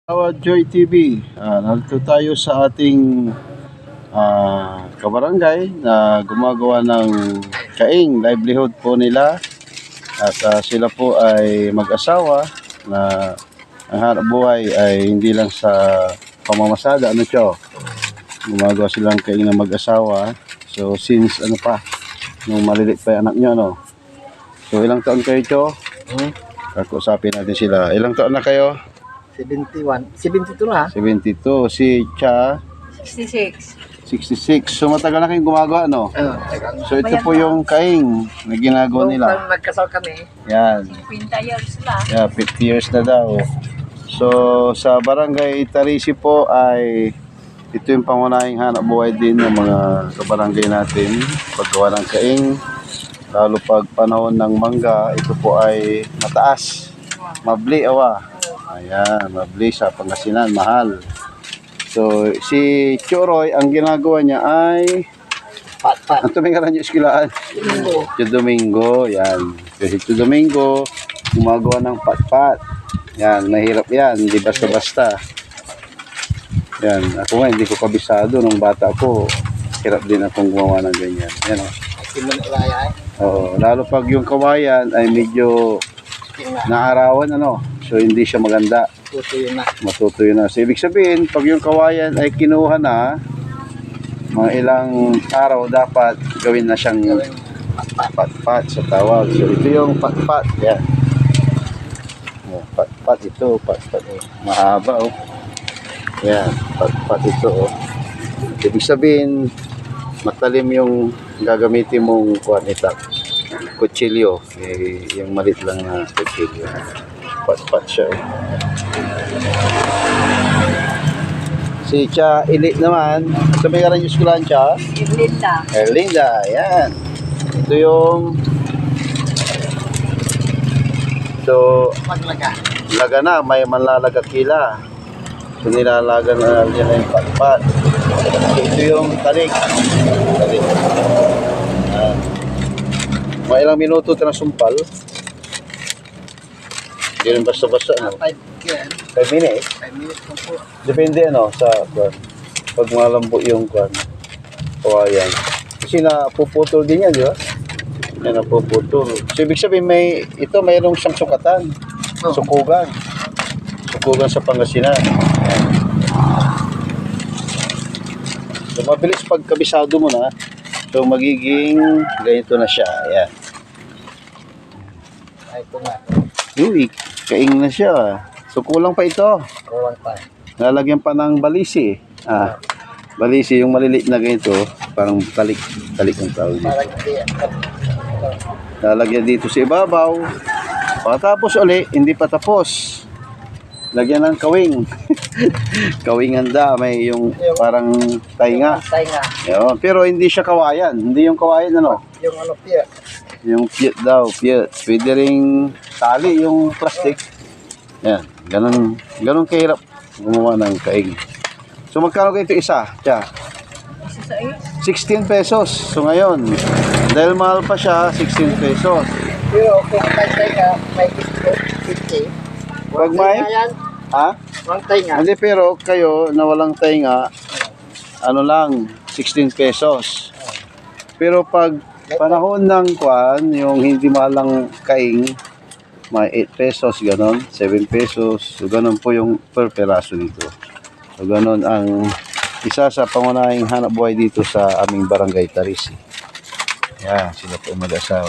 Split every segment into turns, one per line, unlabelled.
Joy TV, narito tayo sa ating kabarangay na gumagawa ng kaing livelihood po nila at sila po ay mag-asawa na ang hanap buhay ay hindi lang sa pamamasada, gumagawa silang kaing na mag-asawa. So since nung maliliit pa yung anak nyo, so ilang taon kayo, Cho? Kakusapin natin sila. Ilang taon na kayo?
71. 72 na.
72. Si Cha?
66.
66. So matagal na kayong gumagawa, no? So ito po yung kaing na ginagawa nila.
Nung nagkasal kami.
Yan.
50 years na.
Yeah, 50 years na daw. So sa barangay Tarisi po ay ito yung pangunahing hanap buhay din ng mga kabarangay natin. Paggawa ng kaing. Lalo pag panahon ng mangga, ito po ay mataas. Mabli, Ayan, mabli sa Pangasinan, mahal. So, si Choroy, ang ginagawa niya ay
Pat-pat.
ang tumingaran niyo iskilaan. Domingo, yan. Kasi Domingo, gumagawa ng pat-pat. Yan, mahirap yan, hindi basta-basta. Yan, ako nga, hindi ko kabisado nung bata ko. Hirap din akong gumawa ng ganyan. Yan, Oo, lalo pag yung kawayan ay medyo naarawan, so hindi siya maganda. Matutuyo na. So ibig sabihin, pag yung kawayan ay kinuha na, mga ilang araw dapat gawin na siyang pat-pat sa tawag. So ito yung pat-pat. Yan. Pat-pat ito. Pat-pat. Mahaba, Yan. Pat-pat ito, Ibig sabihin, matalim yung gagamitin mong kutsilyo. Yung malit lang na kutsilyo. Pat-pat siya, Si Cha Ilit naman. Sa may karang eskwelahan, Cha?
Erlinda.
Erlinda, yan. Ito yung laga na, may manlalaga kila. So nilalaga na yan yung pat-pat. Ito yung tarik. Mga ilang minuto ito na sumpal. Hindi rin basta-basta,
5
minutes?
5 minutes lang po.
Depende, sa pag malambo yung kawayan. Kasi napuputol din yan, di ba? Yan, napuputol. So, ibig sabihin, mayroong siyang sukatan. Sukugan. Sukugan sa Pangasinan. So, mabilis pag kabisado mo na, so, magiging ganito na siya. Ayan.
Ito na.
Uy, kaing na siya. So, kulang pa ito.
Kulang pa.
Lalagyan pa ng balisi. Balisi, yung maliliit na ganito, parang talik ang tawag dito.
Parang
Lalagyan dito sa ibabaw. Pagkatapos hindi pa tapos. Lagyan ng kawing. Kawing handa, may yung parang tainga. Yun. Pero hindi siya kawayan. Hindi yung kawayan,
Yung piya.
Yung piyet daw, piyet. Pwede ring tali yung plastic. Yan, ganun kahirap gumawa ng kaing. So magkano kayo ito isa? Tiya? 16 pesos. So ngayon, dahil mahal pa siya, 16 pesos.
Pero kung may tainga, may 50.
Pag may?
Walang tainga.
Hindi, pero kayo na walang tainga, lang, 16 pesos. Pero pag panahon ng yung hindi malang kaing, may 8 pesos, ganon, 7 pesos, so ganon po yung per peraso dito. So ganon ang isa sa pangunahing hanap buhay dito sa aming barangay Tarisi. Yan, sila po mag-asawa.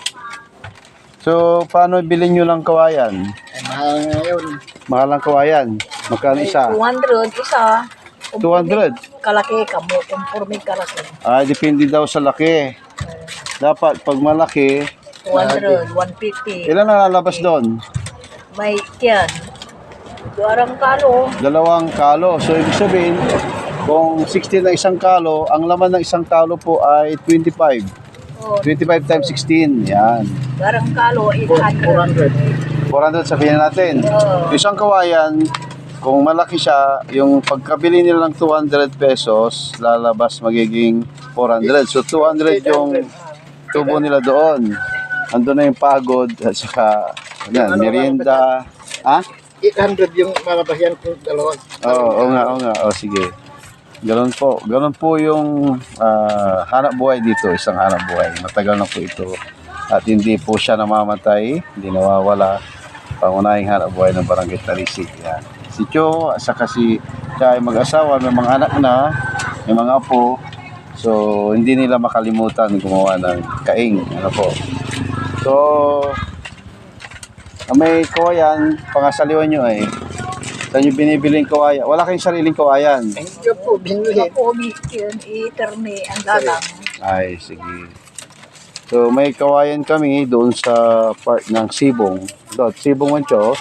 So, paano bilhin nyo lang kawayan?
Mahal ngayon.
Mahal ang kawayan. Magkano isa?
200 isa.
200?
Kalaki ka mo. Conforme kalaki.
Depende daw sa laki. Dapat pag malaki,
200, 150.
ilan na lalabas doon?
May yan. Duarang kalo.
2 kalo. So, ibig sabihin, kung 16 na isang kalo, ang laman ng isang kalo po ay 25. 25 times 16. Yan.
Duarang kalo, 800.
400 sabihin natin. Isang kawayan, kung malaki siya, yung pagkabili nila ng 200 pesos, lalabas magiging 400. So, 200 yung tubo nila doon. Andun na yung pagod at saka merienda.
800 yung mamabahiyan kong dalawa.
Oo nga. Sige. Ganun po yung hanap buhay dito, isang hanap buhay. Matagal na po ito. At hindi po siya namamatay, hindi nawawala. Pangunahing hanap buhay ng Barangay Talisig. Yan. Si Cho, saka si siya ay mag-asawa, may mga anak na, may mga apo. So, hindi nila makalimutan gumawa ng kaing. Ano po. So, may kawayan, pangasaliwan nyo ay saan nyo binibiling kawayan? Wala kayong sariling kawayan.
Hindi po, binuhin.
Ako, yun, itermi ang dalang.
Ay, sige. So, may kawayan kami doon sa part ng Sibong. Doon, Sibong Wancho.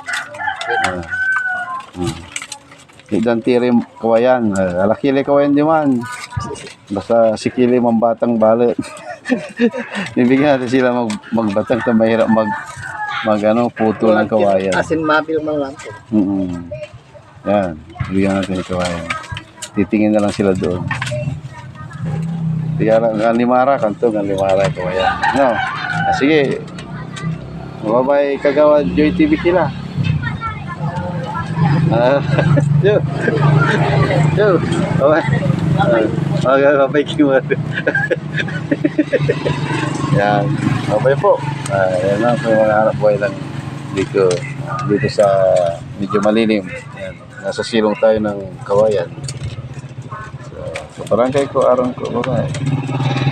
Dan tiri kawayan. Alakili kawayan di man. Basta sikili mambatang balit. Bibigyan natin sila magbatang na mahirap puto ng kawayan.
Asin mabil man lang po.
Yan. Bibigyan natin yung kawayan. Titingin na lang sila doon. Kaya ang limara, kantong ang limara kawayan. No? Sige. Mababay kagawa Joy TV sila. Yo. Mababay kiwa. Yan. Mababay po. Yan na po yung mga hanap buhay lang dito sa medyo malilim. Yan. Nasa silong tayo ng kawayan. So barangay ko, arang ko, babae.